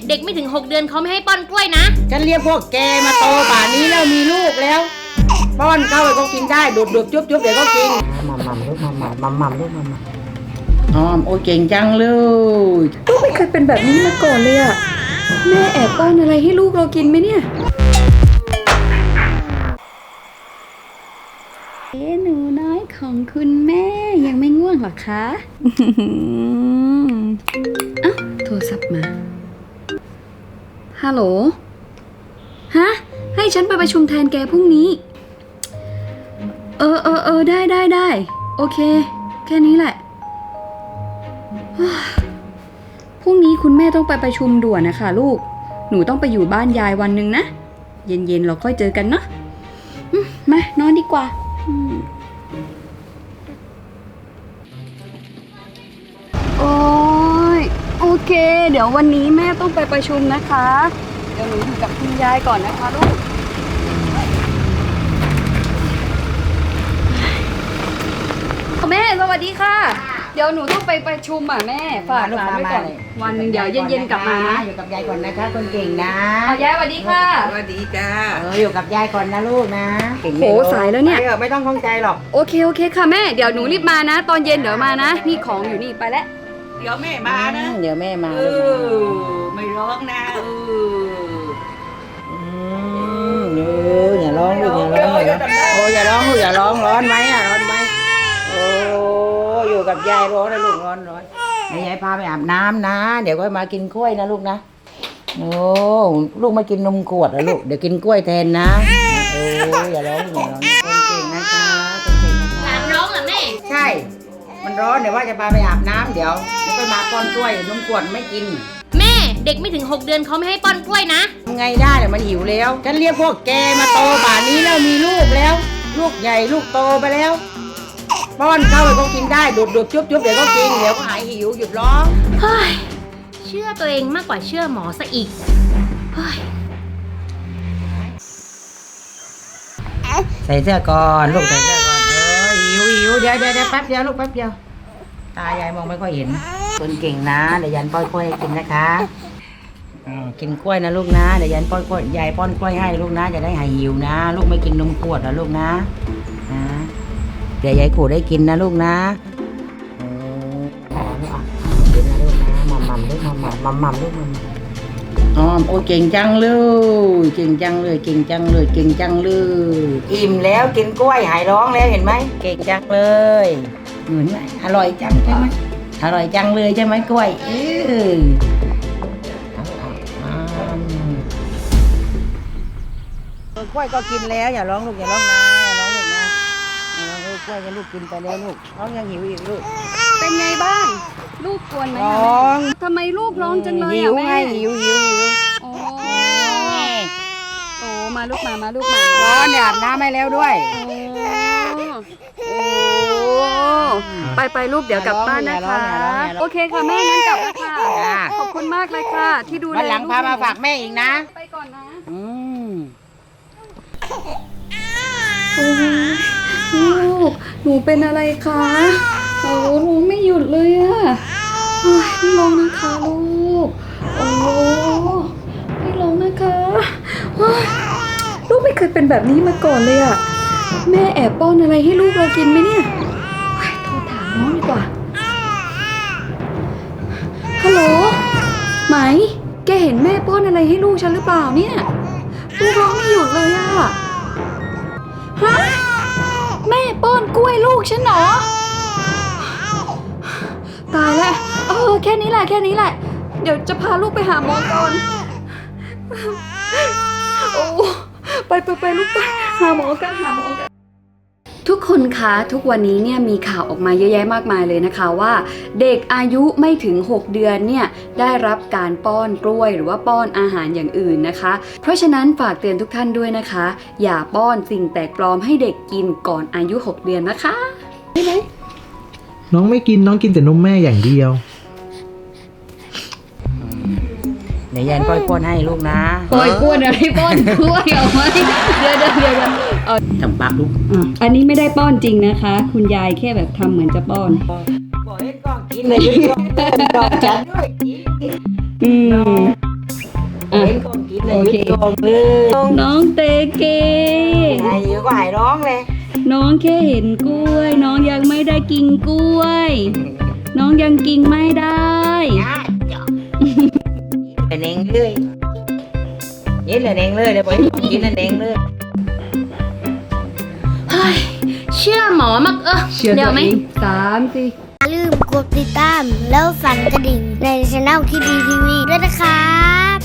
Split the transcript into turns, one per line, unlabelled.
เด็กไม่ถึง6 เดือนเขาไม่ให้ป้อนกล้วยนะ
ฉันเรียกพวกแกมาโตป่านนี้แล้วมีลูกแล้วป้อนเข้าไปก็กินได้ดูดจุ๊บเดี๋ยวก็กินมัมลูกมัมลูกมัมอ๋อโอ้เก่งจังเลย
ลูกไม่เคยเป็นแบบนี้มาก่อนเลยอะแม่แอบป้อนอะไรให้ลูกเรากินไหมเนี่ยหนูน้อยของคุณแม่ยังไม่ง่วงหรอคะอ้าวโทรศัพท์มาฮัลโหลฮะให้ฉันไปประชุมแทนแกพรุ่งนี้ได้โอเคแค่นี้แหละพรุ่งนี้คุณแม่ต้องไปประชุมด่วนนะคะลูกหนูต้องไปอยู่บ้านยายวันหนึ่งนะเย็นๆเราค่อยเจอกันเนาะมานอนดีกว่าโอ้ยโอเคเดี๋ยววันนี้แม่ต้องไปประชุมนะคะเดี๋ยวหนูอยู่กับคุณยายก่อนนะคะลูกแม่สวัสดีค่ะเดี๋ยวหนูต้องไปประชุมแม่ฝากร้านไว้ก่อนวันหนึ่งเดี๋ยวเย็นๆกลับมานะ
อยู่กับยายก่อนนะคะคนเก่งนะ
ยายสวัสดีค่ะ
สวัสดีจ้า
อยู่กับยายก่อนนะลูกนะ
โหสายแล้วเนี่ย
ไม่ต้องข้องใจหรอก
โอเคค่ะแม่เดี๋ยวหนูรีบมานะตอนเย็นเดี๋ยวมานะนี่ของอยู่นี่ไปแล้ว
เดี๋ยวแม่มานะ
เดี๋ยวแม่มา
ไม่ร้องนะ
อย่าร้องลูกอย่าร้องโอ้อย่าร้องลูกอย่าร้องร้อนไหมร้อนไหมโอ้อยู่กับยายร้อนนะลูกร้อนยายพาไปอาบน้ำนะเดี๋ยวก็มากินกล้วยนะลูกนะโอ้ลูกมากินนมขวดนะลูกเดี๋ยวกินกล้วยแทนนะโอ้อย่าร้องคนเก่งนะคะคนเก่งนะคะ
หลานร้องเหรอแม่
ใช่มันร้อนเดี๋ยวว่าจะพาไปอาบน้ำเดี๋ยวก็มาป้อนกล้วยนมขวดไม่กิน
แม่เด็กไม่ถึง6 เดือนเขาไม่ให้ป้อนกล้วยนะ
ทำไงได้เดี๋ยวมันหิวแล้วฉันเรียกพวกแกมาโตป่านนี้แล้วมีลูกแล้วลูกใหญ่ลูกโตไปแล้วป้อนเข้าไปก็กินได้ดูดจุ๊บเดี๋ยวก็กินเดี๋ยวก็หายหิวหยุดร้อง
เฮ้ยเชื่อตัวเองมากกว่าเชื่อหมอซะอีกเฮ้ย
ใส่เสื้อก่อนลูกใส่เสื้อก่อนหิวเดี๋ยวแป๊บเดียวลูกแป๊บเดียวตายายมองไม่ค่อยเห็นคนเก่งนะเดี๋ยวยันป้อนกล้วยให้กินนะคะกินกล้วยนะลูกนะเดี๋ยวยันป้อนกล้วยยายป้อนกล้วยให้ลูกนะจะได้หายหิวนะลูกไม่กินนมขวดนะลูกนะเดี๋ยวยายขูดได้กินนะลูกนะกินนะลูกนะมัมลูกมัมลูกมัมอ๋อโอ้เก่งจังเลยเก่งจังเลยอิ่มแล้วกินกล้วยหายร้องแล้วเห็นไหมเก่งจังเลยเหมือนไหมอร่อยจังใช่ไหมอร่อยจังเลยใช่ไหมกล้วยกล้วยก็กินแล้วอย่าร้องลูกอย่าร้องนะลูกนะกล้วยจะลูกกินไปแล้วลูกน้องยังหิวอีกลูก
เป็นไงบ้างลูกกวนไหม
ร้อง
ทำไมลูกร้องจังเลยแม่
หิว
โอ้มาลูกมา
ร้อนอาบน้ำให้แล้วด้วย
ไปลูกเดี๋ยวกลับบ้านนะคะโอเคค่ะแม่งั้นกลับแล้วค่ะขอบคุณมากเลยค่ะที่ดูแล
วันหลังพามาฝากแม่อีกนะ
ไปก่อนนะลูกหนูเป็นอะไรคะโอ้ร้องไม่หยุดเลยอะไม่ร้องนะคะลูกไม่ร้องนะคะลูกไม่เคยเป็นแบบนี้มาก่อนเลยอะแม่แอบป้อนอะไรให้ลูกเรากินไหมเนี่ยโทรถามน้องดีกว่าฮัลโหลไหมแกเห็นแม่ป้อนอะไรให้ลูกฉันหรือเปล่าเนี่ยลูกร้องไม่หยุดเลยอะฮะแม่ป้อนกล้วยลูกฉันเหรอตายแล้วแค่นี้แหละเดี๋ยวจะพาลูกไปหาหมอก่อนไปลูกไปหาหมอกันทุกคนคะทุกวันนี้เนี่ยมีข่าวออกมาเยอะแยะมากมายเลยนะคะว่าเด็กอายุไม่ถึง6 เดือนเนี่ยได้รับการป้อนกล้วยหรือว่าป้อนอาหารอย่างอื่นนะคะเพราะฉะนั้นฝากเตือนทุกท่านด้วยนะคะอย่าป้อนสิ่งแปลกปลอมให้เด็กกินก่อนอายุ6 เดือนนะคะได้ไหม
น้องไม่กินน้องกินแต่นมแม่อย่างเดียว
เดี๋ยวยันป้อนให้ลูกนะ
ป้อนอะไรป้อนกล้วยเอาไหมเดี๋ยว
ทำปากลูก
อันนี้ไม่ได้ป้อนจริงนะคะคุณยายแค่แบบทำเหมือนจะป้อน
บอกให้กล้องกินเลยกล้องจัดด้วยเห็นของกินเลย
โอเค
หยุดกองเลย
น้องเตเก
ไอ้ยูก็หายร้องเลย
น้องแค่เห็นกล้วย น้องยังไม่ได้กินกล้วย น้องยังกินไม่ได้
เป็นเองเลยนี่là đènเลยเดี๋ยวไปกินlà đènเลย
เฮ้ยเชื่อหมอมาก
เชื่อ
เดี๋
ตั
ยว
ว
ไหม
เอง3 4
อย่าลืมกดติดตามแล้วสั่นกระดิ่งในช่องที่ดีทีวีด้วยนะครับ